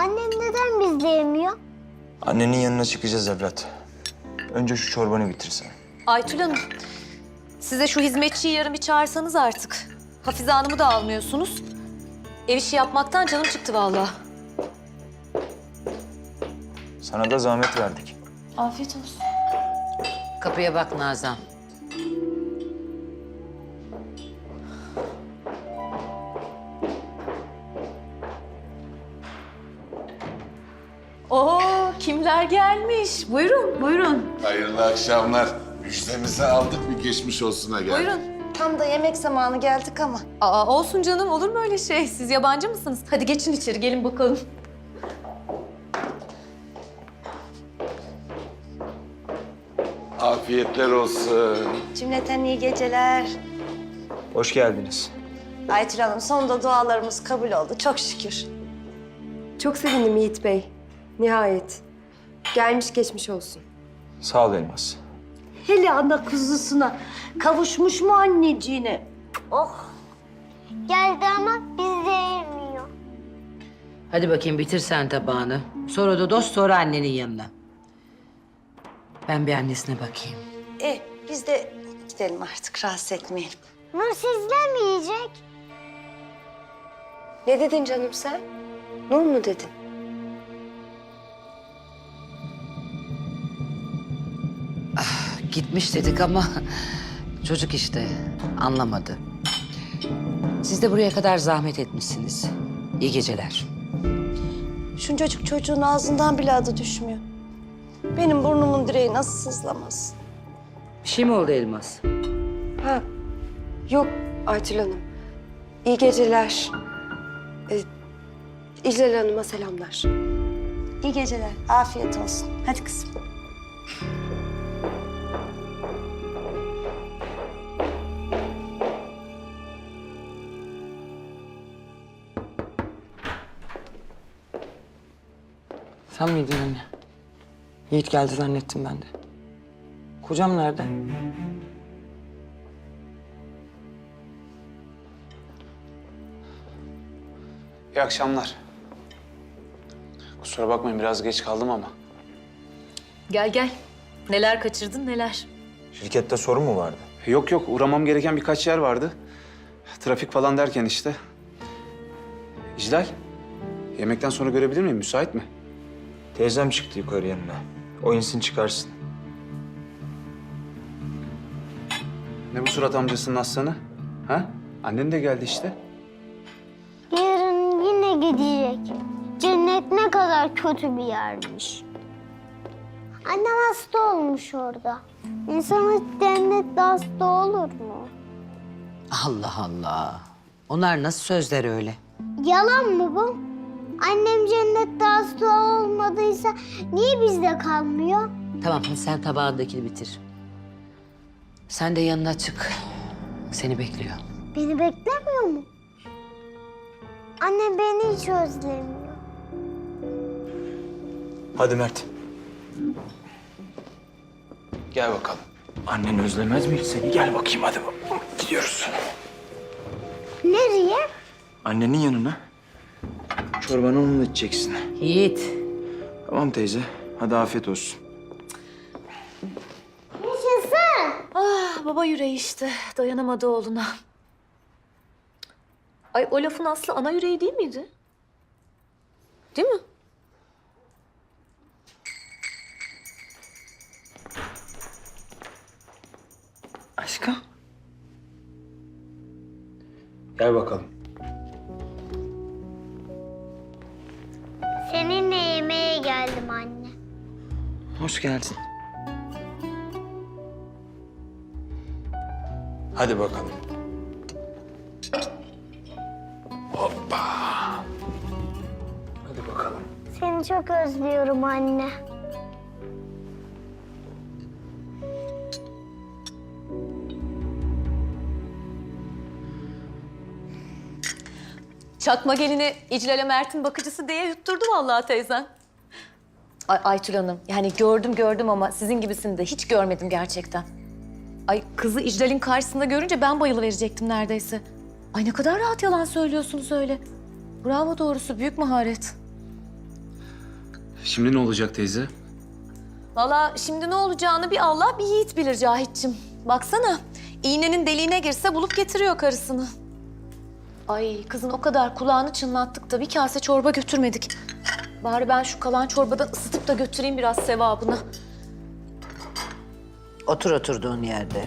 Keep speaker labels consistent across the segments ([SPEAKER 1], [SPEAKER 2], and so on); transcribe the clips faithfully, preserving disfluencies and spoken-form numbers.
[SPEAKER 1] Annem neden bizle yemiyor?
[SPEAKER 2] Annenin yanına çıkacağız evlat. Önce şu çorbanı bitirsen.
[SPEAKER 3] Aytül Hanım, size şu hizmetçiyi yarın bir çağırsanız artık. Hafize Hanım'ı da almıyorsunuz. Ev işi yapmaktan canım çıktı vallahi.
[SPEAKER 2] Sana da zahmet verdik.
[SPEAKER 3] Afiyet olsun.
[SPEAKER 4] Kapıya bak Nazan.
[SPEAKER 3] Oo, kimler gelmiş? Buyurun, buyurun.
[SPEAKER 5] Hayırlı akşamlar. Müjdemizi aldık, bir geçmiş olsuna geldik.
[SPEAKER 3] Buyurun.
[SPEAKER 6] Tam da yemek zamanı geldik ama.
[SPEAKER 3] Aa, olsun canım, olur mu öyle şey? Siz yabancı mısınız? Hadi geçin içeri, gelin bakalım.
[SPEAKER 5] Afiyetler olsun.
[SPEAKER 6] Cümleten iyi geceler.
[SPEAKER 2] Hoş geldiniz.
[SPEAKER 6] Aytül Hanım, sonunda dualarımız kabul oldu. Çok şükür.
[SPEAKER 7] Çok sevindim Yiğit Bey. Nihayet. Gelmiş geçmiş olsun.
[SPEAKER 2] Sağ ol Elmas.
[SPEAKER 8] Hele ana kuzusuna kavuşmuş mu anneciğine?
[SPEAKER 1] Oh. Geldi ama bizle yemiyor.
[SPEAKER 4] Hadi bakayım bitir sen tabağını. Sonra da dost sonra annenin yanına. Ben bir annesine bakayım.
[SPEAKER 6] E, biz de gidelim artık, rahatsız etmeyelim.
[SPEAKER 1] Nur sizle mi yiyecek?
[SPEAKER 7] Ne dedin canım sen? Nur mu dedin?
[SPEAKER 4] Gitmiş dedik ama çocuk işte anlamadı. Siz de buraya kadar zahmet etmişsiniz. İyi geceler.
[SPEAKER 6] Şuncacık çocuğun ağzından bile adı düşmüyor. Benim burnumun direği nasıl sızlamaz?
[SPEAKER 4] Bir şey mi oldu Elmas?
[SPEAKER 7] Ha. Yok Aytül Hanım. İyi geceler. Ee, İclal Hanım'a selamlar.
[SPEAKER 6] İyi geceler, afiyet olsun. Hadi kızım.
[SPEAKER 9] Sen miydin anne? Yiğit geldi zannettim ben de. Kocam nerede?
[SPEAKER 10] İyi akşamlar. Kusura bakmayın biraz geç kaldım ama.
[SPEAKER 3] Gel gel. Neler kaçırdın, neler?
[SPEAKER 2] Şirkette sorun mu vardı?
[SPEAKER 10] Yok yok uğramam gereken birkaç yer vardı. Trafik falan derken işte. İclal, yemekten sonra görebilir miyim? Müsait mi?
[SPEAKER 2] Teyzem çıktı yukarı yanına. O insin çıkarsın.
[SPEAKER 10] Ne bu surat amcasının aslanı? Ha? Annen de geldi işte.
[SPEAKER 1] Yarın yine gidecek. Cennet ne kadar kötü bir yermiş. Annem hasta olmuş orada. İnsan hiç cennette hasta olur mu?
[SPEAKER 4] Allah Allah. Onlar nasıl sözler öyle?
[SPEAKER 1] Yalan mı bu? Annem cennette hasta olmadıysa niye bizde kalmıyor?
[SPEAKER 4] Tamam sen tabağındakini bitir. Sen de yanına çık. Seni bekliyor.
[SPEAKER 1] Beni beklemiyor mu? Annem beni hiç özlemiyor.
[SPEAKER 2] Hadi Mert.
[SPEAKER 10] Gel bakalım.
[SPEAKER 2] Annen özlemez mi hiç seni? Gel bakayım hadi. Gidiyoruz.
[SPEAKER 1] Nereye?
[SPEAKER 2] Annenin yanına. Çorbanı onunla içeceksin.
[SPEAKER 4] Yiğit.
[SPEAKER 2] Tamam teyze. Hadi afiyet olsun.
[SPEAKER 1] Yaşasın.
[SPEAKER 3] Ah, baba yüreği işte. Dayanamadı oğluna. Ay, o lafın aslı ana yüreği değil miydi? Değil mi?
[SPEAKER 9] Aşkım.
[SPEAKER 2] Gel bakalım.
[SPEAKER 1] Seninle yemeğe geldim anne.
[SPEAKER 9] Hoş geldin.
[SPEAKER 2] Hadi bakalım. Hoppa. Hadi bakalım.
[SPEAKER 1] Seni çok özlüyorum anne.
[SPEAKER 3] Çakma gelini İclal'e Mert'in bakıcısı diye yutturdu vallahi teyzen. Ay Aytül Hanım, yani gördüm gördüm ama sizin gibisini de hiç görmedim gerçekten. Ay kızı İclal'in karşısında görünce ben bayılıverecektim neredeyse. Ay ne kadar rahat yalan söylüyorsunuz öyle. Bravo doğrusu, büyük maharet.
[SPEAKER 10] Şimdi ne olacak teyze?
[SPEAKER 3] Valla şimdi ne olacağını bir Allah bir Yiğit bilir Cahit'cim. Baksana iğnenin deliğine girse bulup getiriyor karısını. Ay kızın o kadar kulağını çınlattık da bir kase çorba götürmedik. Bari ben şu kalan çorbadan ısıtıp da götüreyim biraz sevabını.
[SPEAKER 4] Otur oturduğun yerde.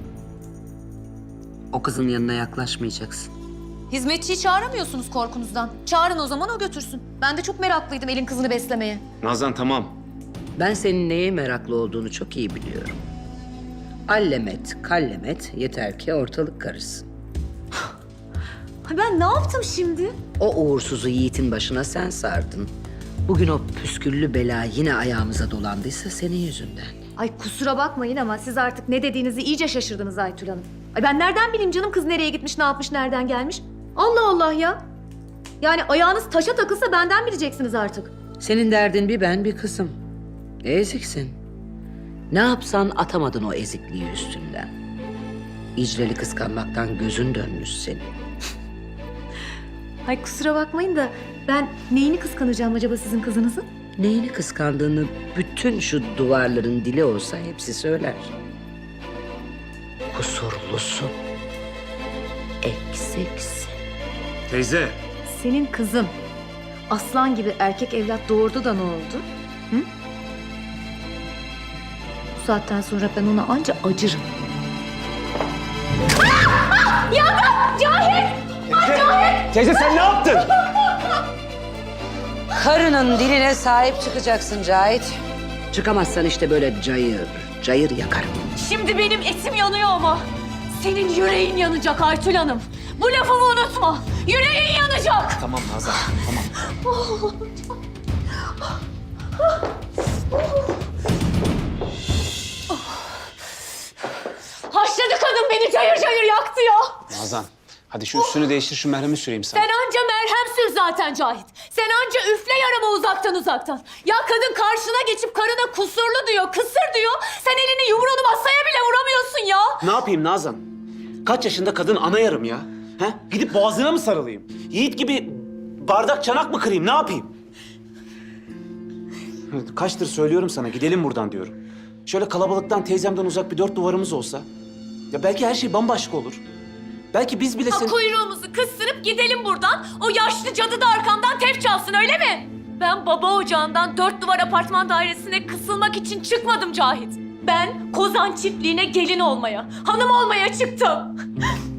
[SPEAKER 4] O kızın yanına yaklaşmayacaksın.
[SPEAKER 3] Hizmetçiyi çağıramıyorsunuz korkunuzdan. Çağırın o zaman o götürsün. Ben de çok meraklıydım elin kızını beslemeye.
[SPEAKER 10] Nazan tamam.
[SPEAKER 4] Ben senin neye meraklı olduğunu çok iyi biliyorum. Allemet, kallemet yeter ki ortalık karışsın.
[SPEAKER 3] Ay ben ne yaptım şimdi?
[SPEAKER 4] O uğursuzu Yiğit'in başına sen sardın. Bugün o püsküllü bela yine ayağımıza dolandıysa senin yüzünden.
[SPEAKER 3] Ay kusura bakmayın ama siz artık ne dediğinizi iyice şaşırdınız Aytül Hanım. Ay ben nereden bileyim canım kız nereye gitmiş, ne yapmış, nereden gelmiş? Allah Allah ya. Yani ayağınız taşa takılsa benden bileceksiniz artık.
[SPEAKER 4] Senin derdin bir ben bir kızım. Eziksin. Ne yapsan atamadın o ezikliği üstünden. İcreli kıskanmaktan gözün dönmüş senin.
[SPEAKER 3] Ay kusura bakmayın da ben neyini kıskanacağım acaba sizin kızınızın?
[SPEAKER 4] Neyini kıskandığını bütün şu duvarların dili olsa hepsi söyler. Kusurlusun. Eksiksin.
[SPEAKER 10] Teyze.
[SPEAKER 3] Senin kızın aslan gibi erkek evlat doğurdu da ne oldu? Hı? Bu saatten sonra ben ona anca acırım.
[SPEAKER 10] Teyze sen ne yaptın?
[SPEAKER 4] Karının diline sahip çıkacaksın Cahit. Çıkamazsan işte böyle cayır, cayır yakarım.
[SPEAKER 3] Şimdi benim etim yanıyor ama senin yüreğin yanacak Aytül Hanım. Bu lafımı unutma. Yüreğin yanacak.
[SPEAKER 10] Tamam Nazan, tamam.
[SPEAKER 3] Haşladı kadın beni cayır cayır yaktı ya.
[SPEAKER 10] Nazan, hadi şu üstünü değiştir, şu merhemi süreyim sana.
[SPEAKER 3] Sen anca merhem sür zaten Cahit. Sen anca üfle yarama uzaktan uzaktan. Ya kadın karşına geçip karına kusurlu diyor, kısır diyor. Sen elini yumruğunu masaya bile vuramıyorsun ya.
[SPEAKER 10] Ne yapayım Nazan? Kaç yaşında kadın ana yarım ya? He? Gidip boğazına mı sarılayım? Yiğit gibi bardak çanak mı kırayım? Ne yapayım? Kaçtır söylüyorum sana, gidelim buradan diyorum. Şöyle kalabalıktan, teyzemden uzak bir dört duvarımız olsa... ya belki her şey bambaşka olur. Belki biz bile
[SPEAKER 3] Ha,
[SPEAKER 10] seni...
[SPEAKER 3] kuyruğumuzu kıstırıp gidelim buradan. O yaşlı cadı da arkamdan tef çalsın öyle mi? Ben baba ocağından dört duvar apartman dairesine kısılmak için çıkmadım Cahit. Ben Kozan çiftliğine gelin olmaya, hanım olmaya çıktım.